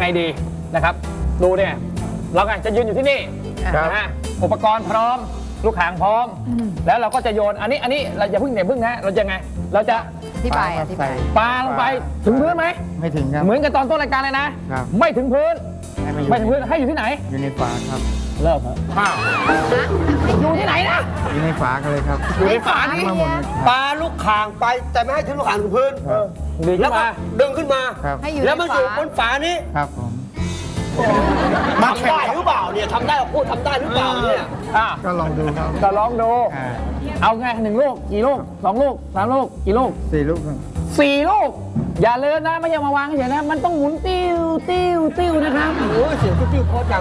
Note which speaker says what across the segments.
Speaker 1: งดีนะครับดูเนี่ยเราไงจะยืนอยู่ที่นี่นะฮะอุปกรณ์พร้อมลูกหางพร้อมแล้วเราก็จะโยนอันนี้เราอย่าเพิ่งนะเราจะไงเราจะ
Speaker 2: อธิบาย
Speaker 1: ปาลงไปถึงพื้นไหม
Speaker 3: ไม่ถึงครับ
Speaker 1: เหมือนกับตอนต้นรายการเลยนะไม่ถึงพื้นไม่ถึงพื้นให้อยู่ที่ไหน
Speaker 3: อยู่ในฝาครับ
Speaker 1: เลิกครับอยู่ที่ไหนนะ
Speaker 3: อยู่ในฝากันเลยครับ
Speaker 1: อยู่ในฝานี่
Speaker 4: ปลาลูกข่างไปแต่ไม่ให้ถึงลูกข่างถึงพื้นแล้วก็ดึงขึ้นมาแล้วมันอยู่บนฝานี้
Speaker 3: ครับผม
Speaker 4: ทำได้หรือเปล่าเนี่ยทำได้เราพูดทำได้หรือเปล่าเนี่ย
Speaker 3: ก็ลองดูครับ
Speaker 1: ก็ลองดูเอาไง1 ลูกกี่ลูก2 ลูก3 ลูกกี่ลูก
Speaker 3: 4 ลูกครับ
Speaker 1: 4 ลูกอย่าเลินนะไม่ใช่มาวางเฉยนะมันต้องหมุนติ้วนะครับ
Speaker 4: โอ้ยเสียงติ้วเพราะจัง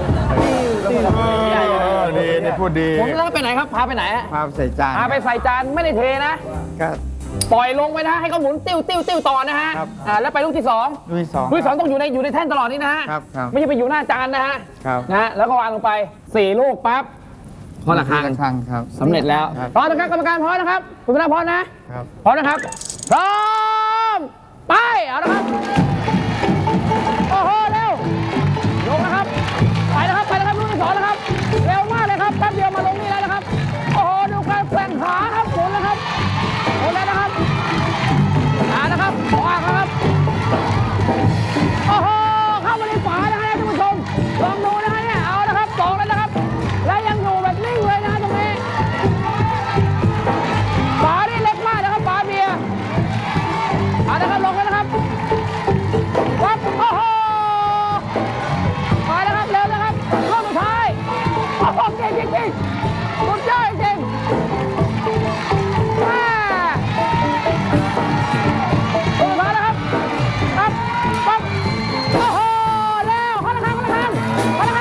Speaker 3: ดีพูดดี
Speaker 1: ผมแล้วไปไหนครับพาไปไหน
Speaker 3: พาใส่จาน
Speaker 1: พาไปใส่จานไม่ได้เทนะ
Speaker 3: ก็
Speaker 1: ปล่อยลงไปนะให้เขาหมุนติ้วต่อนะฮะแล้วไปลูกที่2ลูกที่2ต้องอยู่ในแท่นตลอดนี่นะฮะไม่ใช่ไปอยู่หน้าจานนะฮะนะแล้วก็วางลงไป4 ลูกปั๊บพอละครั้ง
Speaker 3: ครับ
Speaker 1: สำเร็จแล้วพร้อมนะครับกรรมการพร้อมนะครับคุณพนักพร้อมนะพร้อมนะครับพร้อมไปเอาละครับโอ้โหเร็วลงนะครับไปนะครับลูกที่2นะครับเร็วมากเลยครับแป๊บเดียวมาลงนี่แล้วนะครับโอ้โหดูการแกว่งขาครับหมุนนะครับหมุนแล้วนะครับนะครับวางครับโอ้โหเข้ามาในฝานะฮะท่านผู้ชมลองดูนะฮะเนี่ยเอานะครับ2แล้วนะครับและยังอยู่แบบนิ่งเลยนะตรงนี้ฝานี่เล็กมากนะครับฝาเบียร์นะครับลงแล้วนะครับวับโอ้โหไปแล้วครับเร็วนะครับข้อสุดท้ายโอ้โหเก่งสุดยอดจริงสุดท้ายนะครับปั๊บโอ้โหเร็วคนละครั้งเร็วโอ้โห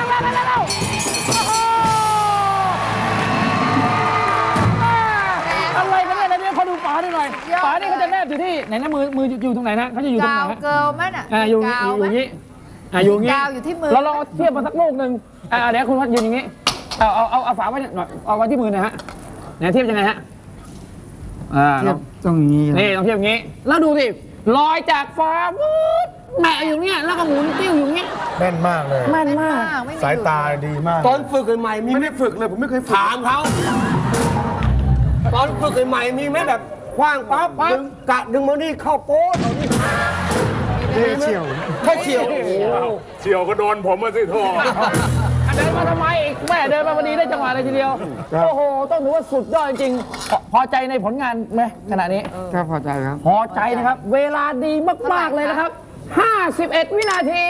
Speaker 1: อะไรกันเนี่ยเดี๋ยวเขาดูฝาหน่อยฝานี่เขาจะแนบอยู่ที่ไหนนะมืออยู่ตรงไหนนะเขาจะอยู่ตรงไหนฮะ
Speaker 2: เกลมั้ยน่ะ
Speaker 1: อยู่อย่างนี้อยู่อย่างนี้
Speaker 2: อยู่ที่มือ
Speaker 1: เราลองเทียบมาสักลูกหนึ่งเดี๋ยวคุณพัดยืนอย่างนี้เอาฝาไว้หน่อยเอาไว้ที่มือหน่อยฮะไหนเทียบยังไงฮะ
Speaker 3: เทียบตรงนี้
Speaker 1: นี่ต้องเทียบอย่างนี้แล้วดูสิลอยจากฟ้าวูดแม่อยู่เนี้ยแล้วก็หมุนติ้วอยู่เนี้ย
Speaker 3: แม่นมากเลย
Speaker 1: แม่นมาก
Speaker 3: สายตาดีมาก
Speaker 4: ตอนฝึกใหม่มีไม่ได้ฝึกเลยผมไม่เคยถามเขาตอนฝึกใหม่มีไหมแบบคว้างปั๊บดึงมานี่เข้าโป๊ะ
Speaker 3: เฉียว
Speaker 4: แค่เฉียว
Speaker 3: เฉียวก็โดนผมมาสิโทษ
Speaker 1: เดินมาทำไมอีกแม่เดินมาพอดีได้จังหวะเลยทีเดียวโอ้โหต้องถือว่าสุดยอดจริงพอใจในผลงานไหมขณะนี้
Speaker 3: ก็พอใจครับ
Speaker 1: พอใจนะครับเวลาดีมากๆเลยนะครับ51 วินาที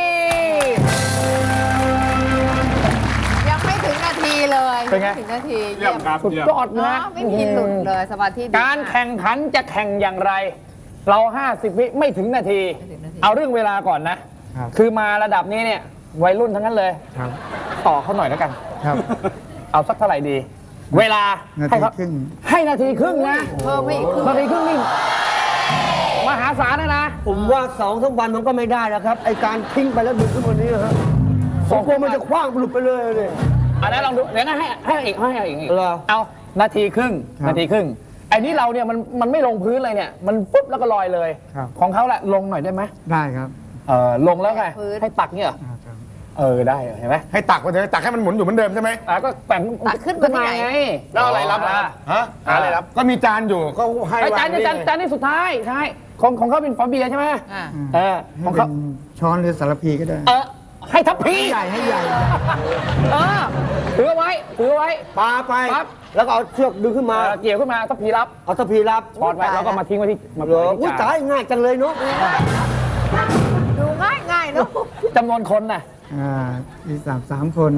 Speaker 2: ยังไม่ถึงนาทีเลย
Speaker 1: เป็นไง
Speaker 2: ถึงนาที
Speaker 3: เยี่ยมครับ
Speaker 1: สุดยอดนะ
Speaker 2: ไม่มีหลุดเลยสมาธิ
Speaker 1: การแข่งขันจะแข่งอย่างไรเรา50 วิไม่ถึงนาทีเอาเรื่องเวลาก่อนนะคือมาระดับนี้เนี่ยวัยรุ่นทั้งนั้นเลยต่อเขาหน่อยแล้วกันเอาสักเท่าไหร่ดีเวลาให้นาทีครึ่งนะ
Speaker 2: เพิ่มไม่อีก
Speaker 1: นาทีครึ่งนี่มหาศาลนะ
Speaker 4: ผมว่า2-3 วันมันก็ไม่ได้แล้วครับไอการทิ้งไปแล้วดึงขึ้นมานี้ฮะผมกลัวมันจะคว้างหลุดไปเลยเลย
Speaker 1: อันนั้นลองดูเดี๋ยวนะให้อีกเอานาทีครึ่งไอ้นี่เราเนี่ยมันไม่ลงพื้นเลยเนี่ยมันปุ๊บแล้วก็ลอยเลยของเขาแหละลงหน่อยได้ไหม
Speaker 3: ได้ครับ
Speaker 1: ลงแล้วไงให้ตักเนี่ยได้เห็นไหม
Speaker 3: ให้ตักไปเลยตักให้มันหมุนอยู่เหมือนเดิมใช่ไหม
Speaker 1: ก็แบ่ง
Speaker 2: ขึ้นมา
Speaker 1: ไง
Speaker 3: แล้วอะไรรับอะไรรับก็มีจานอยู่ก็ให้
Speaker 1: จานนี่สุดท้ายใช่ของเขาเป็นฟาเบียใช่ไหม
Speaker 3: ของเขาช้อนหรือสารพีก็ได้
Speaker 1: ให้ทัพพี
Speaker 3: ให้ใหญ่
Speaker 1: ถือไว้
Speaker 4: ปาไปแล้วก็เอาเชือกดึงขึ้นมา
Speaker 1: เกี่ยวขึ้นมาทัพพีรับ
Speaker 4: เอาทัพพีรับ
Speaker 1: ถอดไว้แล้วก็มาทิ้งไว้ที่
Speaker 4: อุ้ยตายง่ายจังเลยเนาะ
Speaker 2: ดูง่ายเนาะ
Speaker 1: จำนวนคนน่ะ
Speaker 3: มี3 คน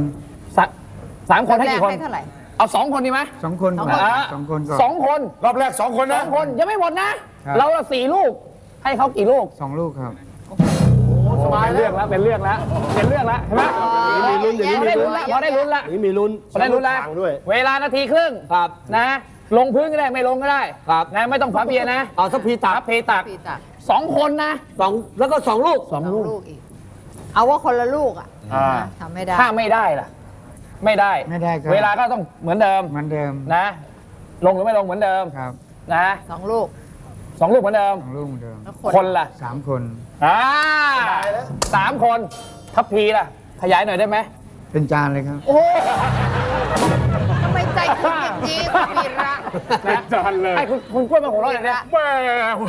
Speaker 1: 3 คนให้กี่คนเอา2 คนดีไหม
Speaker 3: 2 คน
Speaker 1: 2 คน
Speaker 3: รอบแรก2 คนนะ
Speaker 1: 2 คนยังไม่หมดนะเรา4 ลูกให้เขากี่ลูก
Speaker 3: 2 ลูกครับ
Speaker 1: เป็นเรื่องแล้วเห็นไหม
Speaker 4: มีลุ้นอย่างนี้
Speaker 1: พอได้ลุ้นละ
Speaker 4: มีลุ้น
Speaker 1: แล้วเวลานาทีครึ่งนะลงพื้นก็ได้ไม่ลงก็ได้นะไม่ต้องฝาเบียร์นะ
Speaker 4: เอาทัพพีตัก
Speaker 1: 2 คนนะ
Speaker 4: แล้วก็2 ลูก
Speaker 2: อีกเอาว่าคนละลูกทำไม่ได้
Speaker 1: ถ้าไม่ได้ล่ะไม่ได้เวลาก็ต้องเหมือนเดิมนะลงหรือไม่ลงเหมือนเดิมนะ
Speaker 2: 2 ลูก
Speaker 1: เหมือนเดิมคนละ
Speaker 3: 3 คน
Speaker 1: 3 คนทัพพีล่ะ ขยายหน่อยได้ไหม
Speaker 3: เป็นจานเลยครับ
Speaker 1: โอ้
Speaker 2: ทำไมใจถึงอย่างนี้คุณวีระ
Speaker 3: เป็นจานเลย
Speaker 1: ให้คุณกล้วยมาหัวเราะเลยเนี่ย
Speaker 3: แม่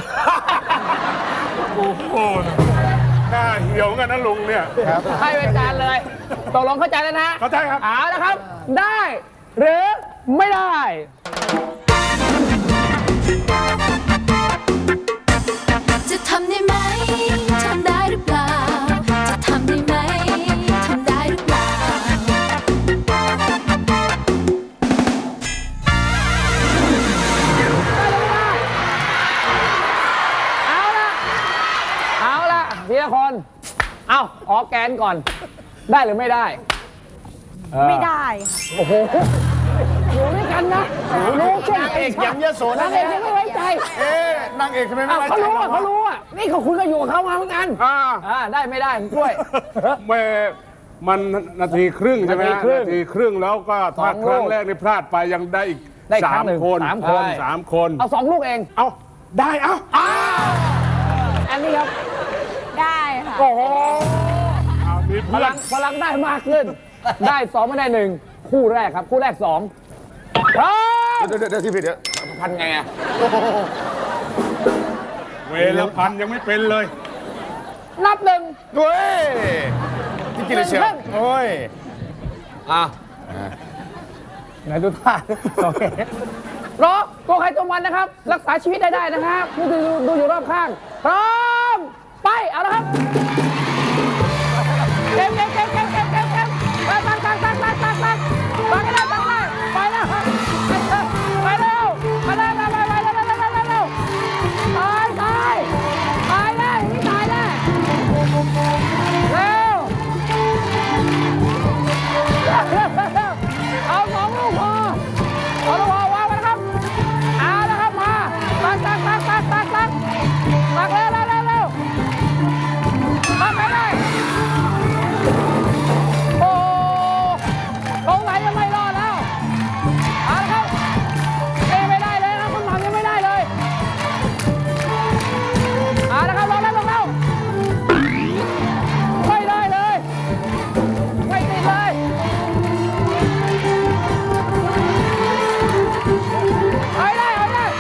Speaker 3: โอ้โหหน้าเหี่ยวกันนะลุงเนี่ยครับ
Speaker 1: ให้เป็นจานเลย ตกลงเข้าใจแล้วนะ
Speaker 3: เข้าใจครับ
Speaker 1: เอาละครับ ได้หรือไม่ได้
Speaker 5: จะทำได้ไหม ทำได้หรือเปล่า จะทำได้ไหม ทำได้หรือเปล่า
Speaker 1: เอาละทีละคน เอาออกแกนก่อน ได้หรือไม่ได้
Speaker 2: ไม่ได้
Speaker 1: โอ้โห อยู่ด้วยกันนะรู้ช่วย
Speaker 3: นางเอกยังเยอะโส
Speaker 1: นางเอกยังไม่ไว้ใจ
Speaker 3: นางเอกทำไมไม่
Speaker 1: อ้าว
Speaker 3: ไว้ใจ
Speaker 1: เขารู้อ่ะเขารู้อ่ะ นี่เขาคุณก็อยู่กับเขามาเหมือนกัน ได้ไม่ได้คุณกล้วย
Speaker 6: แม่มันนาทีครึ่งใช่ไหม
Speaker 1: นาทีครึ่ง
Speaker 6: นาทีครึ่งแล้วก็ถ้า
Speaker 1: สอง
Speaker 6: ครั้ง
Speaker 1: ลูก
Speaker 6: แรกนี่พลาดไปยังได้อีก
Speaker 1: ได้อีกครั้งหนึ่ง
Speaker 6: คน
Speaker 1: สามคน
Speaker 6: สามคน
Speaker 1: เอา2 ลูกเอง
Speaker 6: เอาได้เอา
Speaker 1: อันนี้ครับ
Speaker 2: ได้ค่ะ
Speaker 1: โอ้โห
Speaker 6: เอามี
Speaker 1: พ
Speaker 6: เพื่อ
Speaker 1: ลั
Speaker 6: น
Speaker 1: งพลังได้มากขึ้น ได้ 2 ไม่ได้ 1 คู่แรกครับ คู่แรก 2พร้อม
Speaker 3: เดี๋ยวที่ผิดเดี๋ยวพันไงอ่ะ
Speaker 6: เวลพันยังไม่เป็นเลย
Speaker 1: นับหนึ่ง
Speaker 3: เว้ยที่กินเลยเชียวโอ้ย
Speaker 1: ไหนดูท่าโอเครอตัวใครตัวมันนะครับ รักษาชีวิตได้นะครับผู้ดูอยู่รอบข้าง พร้อม ไป เอาละครับ เก็บไปตักให้ได้ตักได้ไปแล้วครับไปเร็วไปเร็วไปเร็วตายแล้วอย่างนี้ตายแน่เร็วเอา2 ลูกพอเอาลูกพอวางไว้นะครับเอาละครับมาตักเร็วตักไปได้โอ้สงสัยจะไม่รอดแล้วเอาละครับไม่ได้เลยนะคุณหม่ำยังไม่ได้เลยเอาละครับลงแล้วไม่ได้เลยไม่ติดเลยเอาได้เร็ววาง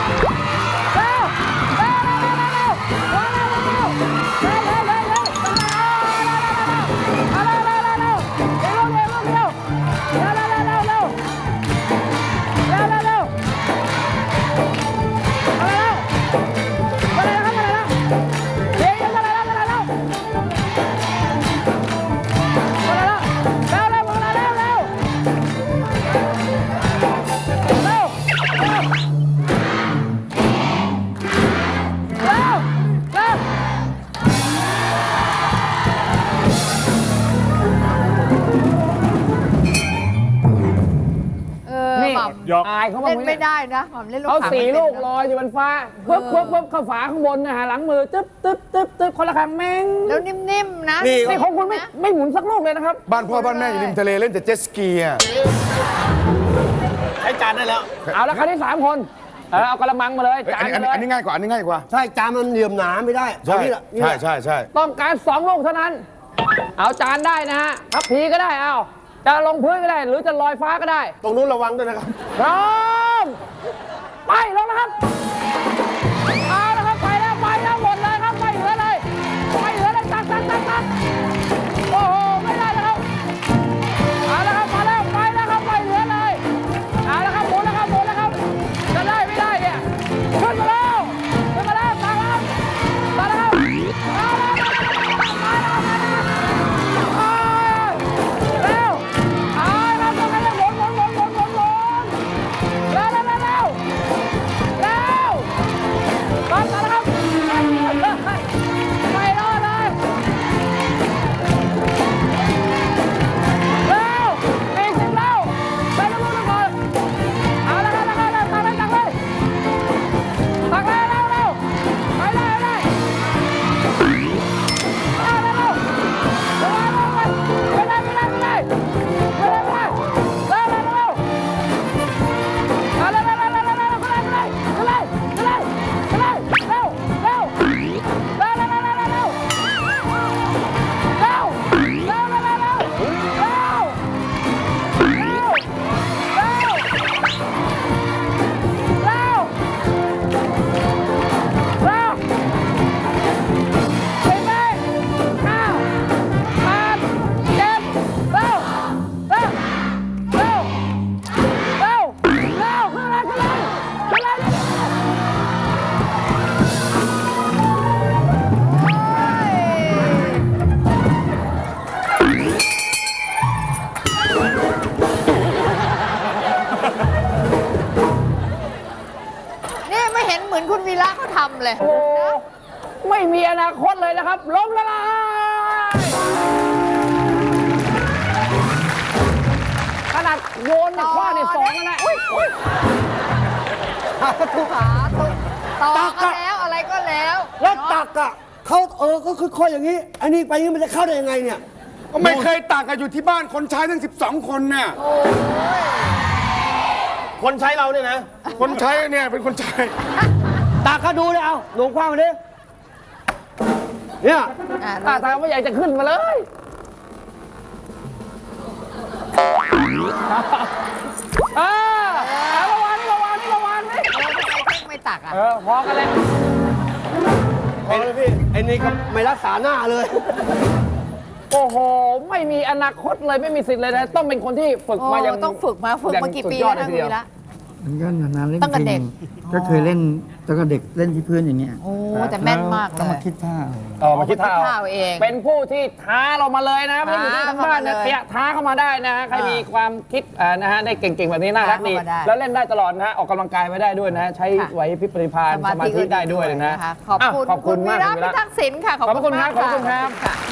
Speaker 1: นี่
Speaker 2: หม่
Speaker 6: หยอก
Speaker 1: อายเขา
Speaker 2: ำ
Speaker 1: บ้าง
Speaker 2: เล่น
Speaker 1: ไหม
Speaker 2: ไม่
Speaker 1: เนี่ย
Speaker 2: ได้นะหม่ำเล่นลูก
Speaker 1: เขา
Speaker 2: ขาง
Speaker 1: 4
Speaker 2: ไม่
Speaker 1: ลูก
Speaker 2: เป็น
Speaker 1: ลอยอยู่บนฟ้าปึ๊บเข้าฝาข้างบนนะฮะหลังมือตึ๊บคนละครั้งแม่ง
Speaker 2: แล้วนิ่มๆนะ
Speaker 1: นี่ของคุณไม่หมุนสักลูกเลยนะครับ
Speaker 3: บ้านพ่อบ้านแม่อยู่ริมทะเลเล่นแต่เจ็ตสกีอ่ะ
Speaker 4: ใช้จานได้แล้ว
Speaker 1: เอาละครั้งที่ 3 คนเอากระมังมาเลยจานมาเลย
Speaker 3: อันนี้ง่ายกว่า อันนี้ง่ายกว่า
Speaker 4: ใช่จานมันเหลี่ยมหนาไม่ได้
Speaker 3: ใช่
Speaker 4: เอานี่แหละนี่แหละ
Speaker 3: ใช่
Speaker 1: ต้องการ2 ลูกเท่านั้น เอาจานได้นะฮะทับพีก็ได้เอาจะลงพื้นก็ได้ หรือจะลอยฟ้าก็ได้
Speaker 4: ตรงนู้นระวังด้วยนะครับ
Speaker 1: พร้อมไปลงนะครับเอาละครับไปแล้วหมดเลยครับไม่เหลือเลยตักโอ้โหไม่ได้แล้วครับเอาละครับมาแล้วไปแล้วครับไม่เหลือเลยเอาละครับหมุนแล้วครับจะได้ไม่ได้เนี่ยขึ้นมาแล้วตักแล้วครับเอาละครับเร็วเอาละครับต้องให้หมุนเร็ว
Speaker 2: เห็นเหมือนคุณวีระเขาทำเลย
Speaker 1: โอ้ไม่มีอนาคตเลยนะครับ ล้มละลายขนาดโยนเนี่ยคว้าเนี่ยสองแล้วนะ
Speaker 2: ถูกขาต่อก็แล้วอะไรก็แล้ว
Speaker 4: แล้วตักอ่ะเขาก็ค่อยๆอย่างนี้ อันนี้ไปนี้มันจะเข้าได้ยังไงเนี่ย
Speaker 3: ก็ไม่เคยตักอะอยู่ที่บ้านคนใช้ทั้ง 12 คนเนี่ย
Speaker 4: คนใช้เราเนี่ยนะ
Speaker 3: คนใช้เนี่ยเป็นคนใช้
Speaker 4: ตักก็ดูเลยเอาหลวงคว้างมาดิเนี่ย
Speaker 1: ตาทางไม่อยากจะขึ้นมาเลยระวังนี่
Speaker 2: ไม่ตักอ่ะ
Speaker 1: พอกันเลย
Speaker 4: พอเลยพี่ไอ้นี่ก็ไม่รักษาหน้าเลย
Speaker 1: โอ้โห ไม่มีอนาคตเลยไม่มีสิทธิ์เลยนะ ต้องเป็นคนที่ฝึกมาอย่าง
Speaker 2: ต้องฝึกมากี่ปีแล้วนะคุณวีระ
Speaker 7: มันก็นานๆเล่น
Speaker 2: ตั้งแต่เด็ก
Speaker 7: ก็เคยเล่นตั้งแต่เด็กเล่นที่พื้นอย่างเงี้ย
Speaker 2: โอ้แต่แม่นมากเล
Speaker 7: ต้องมาย คิดท่า
Speaker 1: มาคิดท่า
Speaker 2: เอาเอง
Speaker 1: เป็นผู้ที่ท้าเรามาเลยนะไม่ได้อยู่ที่ทางบ้านนะ
Speaker 2: ท้าเข้ามาเลย
Speaker 1: ขยะท้าเข้ามาได้นะฮะใครมีความคิดนะฮะได้เก่งๆแบบนี้น่ารักดี
Speaker 2: ท้าเข้ามาได้
Speaker 1: แล้วเล่นได้ตลอดนะฮะออกกำลังกายไปได้ด้วยนะฮะใช้ไหวพริบปริพานสมาธิได้ด้วยเลยนะ
Speaker 2: ขอบคุณ
Speaker 1: ขอบคุณมาก
Speaker 2: วีระ
Speaker 1: คุณวี
Speaker 2: พิ
Speaker 1: ระ
Speaker 2: ทักษ์ศิลป์ค่ะ
Speaker 1: ขอบพระคุณครับ
Speaker 2: มาก
Speaker 1: ขอบคุณครับ
Speaker 2: ค่ะ